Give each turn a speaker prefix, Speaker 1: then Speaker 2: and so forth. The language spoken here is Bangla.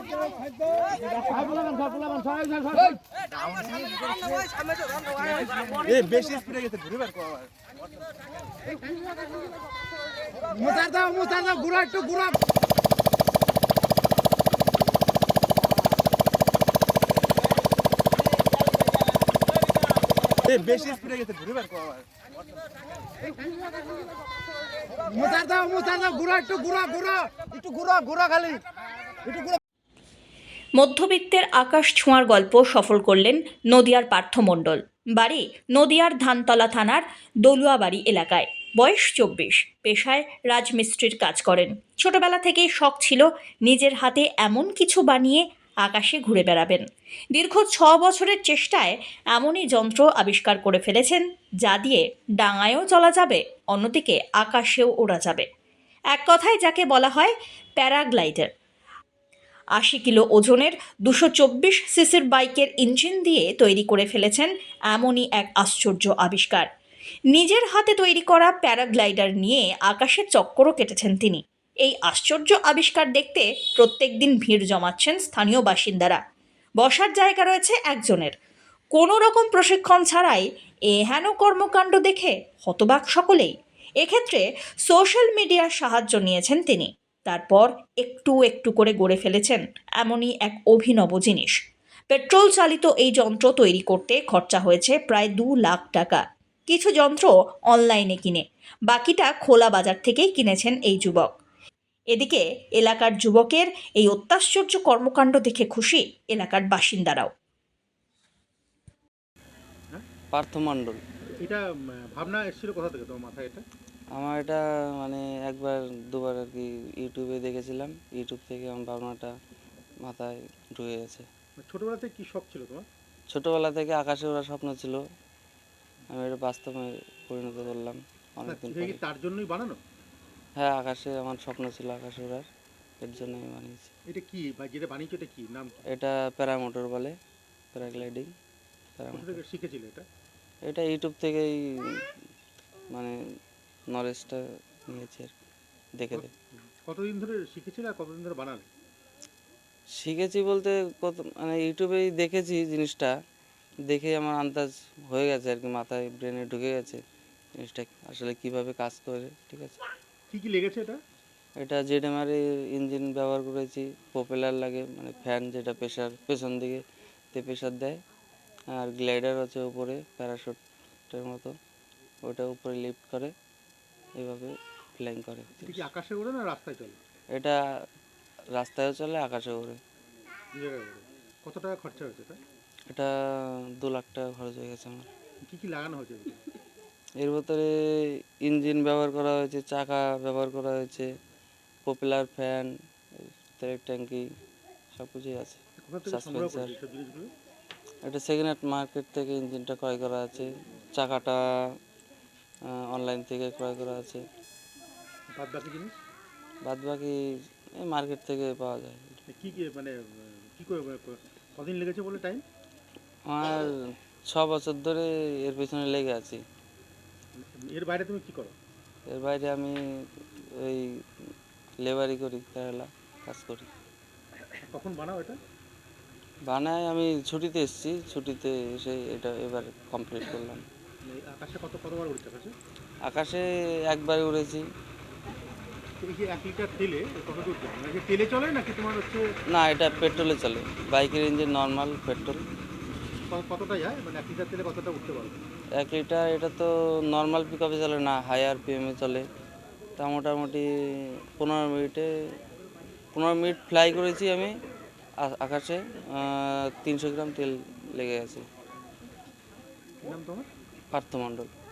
Speaker 1: বেশি স্পিডে গেছে ঘুরে বের কর
Speaker 2: মোতার দাও ঘুরা একটু ঘুরা
Speaker 1: বেশি স্পিডে গেছে ঘুরে বের কর
Speaker 2: মোতার দাও ঘুরা একটু ঘুরা খালি একটু ঘুরা।
Speaker 3: মধ্যবিত্তের আকাশ ছোঁয়ার গল্প সফল করলেন নদিয়ার পার্থ মণ্ডল। বাড়ি নদিয়ার ধানতলা থানার দলুয়াবাড়ি এলাকায়। বয়স 24, পেশায় রাজমিস্ত্রির কাজ করেন। ছোটবেলা থেকেই শখ ছিল নিজের হাতে এমন কিছু বানিয়ে আকাশে ঘুরে বেড়াবেন। দীর্ঘ 6 বছরের চেষ্টায় এমনই যন্ত্র আবিষ্কার করে ফেলেছেন যা দিয়ে ডাঙায়ও চলা যাবে, অন্যদিকে আকাশেও ওড়া যাবে। এক কথায় যাকে বলা হয় প্যারাগ্লাইডার। 80 কিলো ওজনের 224 সিসির বাইকের ইঞ্জিন দিয়ে তৈরি করে ফেলেছেন এমনই এক আশ্চর্য আবিষ্কার। নিজের হাতে তৈরি করা প্যারাগ্লাইডার নিয়ে আকাশে চক্করও কেটেছেন তিনি। এই আশ্চর্য আবিষ্কার দেখতে প্রত্যেক দিন ভিড় জমাচ্ছেন স্থানীয় বাসিন্দারা। বসার জায়গা রয়েছে একজনের। কোনো রকম প্রশিক্ষণ ছাড়াই এহেন কর্মকাণ্ড দেখে হতবাক সকলেই। এক্ষেত্রে সোশ্যাল মিডিয়ার সাহায্য নিয়েছেন তিনি। তারপর একটু একটু করে গড়ে ফেলেছেন এমনই এক অভিনব জিনিস। পেট্রোল চালিত এই যন্ত্র তৈরি করতে খরচা হয়েছে প্রায় 2 লাখ টাকা। কিছু যন্ত্র অনলাইনে কিনে, বাকিটা খোলা বাজার থেকেই কিনেছেন এই যুবক। এদিকে এলাকার যুবকের এই অত্যাশ্চর্য কর্মকাণ্ড দেখে খুশি এলাকার বাসিন্দারাও।
Speaker 4: পার্থ মণ্ডল।
Speaker 1: এটা ভাবনা এসেছিল কোথা থেকে তোমার মাথায় এটা?
Speaker 4: আমার এটা মানে একবার দুবার আর কি ইউটিউবে দেখেছিলাম, ইউটিউব থেকে আমার ভাবনাটা মাথায় ঢুকে গেছে।
Speaker 1: ছোটবেলা থেকে কি শখ ছিল তোমার?
Speaker 4: ছোটোবেলা থেকে আকাশে ওড়ার স্বপ্ন ছিল, আমি এটা বাস্তবে পরিণত করলাম অনেকদিন পরে।
Speaker 1: তার জন্যই বানানো?
Speaker 4: হ্যাঁ, আকাশে আমার স্বপ্ন ছিল আকাশে ওড়ার, এর জন্য আমি বানিয়েছি।
Speaker 1: এটা কি বা যেটা বানিয়েছো এটা কি নাম?
Speaker 4: এটা প্যারামোটর বলে, প্যারাগ্লাইডিং।
Speaker 1: কোথা থেকে শিখেছিলে এটা?
Speaker 4: এটা ইউটিউব থেকেই মানে নলেজটা নিয়েছি আর দেখে দেখে।
Speaker 1: কতদিন ধরে শিখেছিলে আর কতদিন ধরে বানালে?
Speaker 4: শিখেছি বলতে কত মানে ইউটিউবেই দেখেছি জিনিসটা, দেখে আমার আন্দাজ হয়ে গেছে আর কি, মাথায় ব্রেনে ঢুকে গেছে জিনিসটা আসলে কিভাবে কাজ করে। ঠিক আছে,
Speaker 1: কি কি লেগেছে এটা?
Speaker 4: এটা জেডএমআর ইঞ্জিন ব্যবহার করেছি, প্রপেলার লাগে মানে ফ্যান যেটা প্রেশার পেছন দিকে প্রেশার দেয়, আর গ্লাইডার আছে উপরে প্যারাশুটের মতো, ওটা উপরে লিফট করে এইভাবে ফ্লাইং করে।
Speaker 1: এটা কি আকাশে ওড়ে না রাস্তায় চলে?
Speaker 4: এটা রাস্তায়ও চলে, আকাশেও ওড়ে।
Speaker 1: কত টাকা খরচা হয়েছে এটা?
Speaker 4: এটা 2 লাখ টাকা খরচ হয়ে গেছে আমার।
Speaker 1: কি কি লাগানো হয়েছে
Speaker 4: এর ভিতরে ইঞ্জিন ব্যবহার করা হয়েছে, চাকা ব্যবহার করা হয়েছে, পপুলার ফ্যান, তেলের ট্যাঙ্কি সব কিছুই আছে, সাসপেন্সার। এটা সেকেন্ড হ্যান্ড মার্কেট থেকে ইঞ্জিনটা ক্রয় করা আছে, চাকাটা অনলাইন থেকে ক্রয় করা আছে। বাদ বাকি এই মার্কেট থেকে পাওয়া যায়।
Speaker 1: কি কি মানে কি করে কদিন লেগেছে বলে টাইম?
Speaker 4: আমার 6 বছর ধরে এর পেছনে লেগে আছি।
Speaker 1: এর বাইরে তুমি কি করো?
Speaker 4: এর বাইরে আমি ওই লেবারি করি, কেরালা কাজ করি।
Speaker 1: কখন বানাও এটা?
Speaker 4: বানাই আমি ছুটিতে এসেছি, ছুটিতে এসে এটা এবার কমপ্লিট করলাম।
Speaker 1: আকাশে কতবার উড়তে পারছে?
Speaker 4: আকাশে একবারে উড়েছি।
Speaker 1: এই যে 1 লিটার তেলে কত দূর যায়? মানে তেলে চলে নাকি তোমার হচ্ছে?
Speaker 4: না, এটা পেট্রোলে চলে, বাইকের ইঞ্জিন নর্মাল পেট্রোল।
Speaker 1: কতটা যায় মানে 1 লিটার তেলে কতটা উঠতে পারবে?
Speaker 4: 1 লিটার এটা তো নর্মাল পিক আপে চলে না, হাই আরপিএমে চলে। তা মোটামুটি 15 মিনিট ফ্লাই করেছি আমি আকাশে, 300 গ্রাম তেল লেগে গেছে।
Speaker 1: কি নাম তোমার?
Speaker 4: পার্থ মণ্ডল।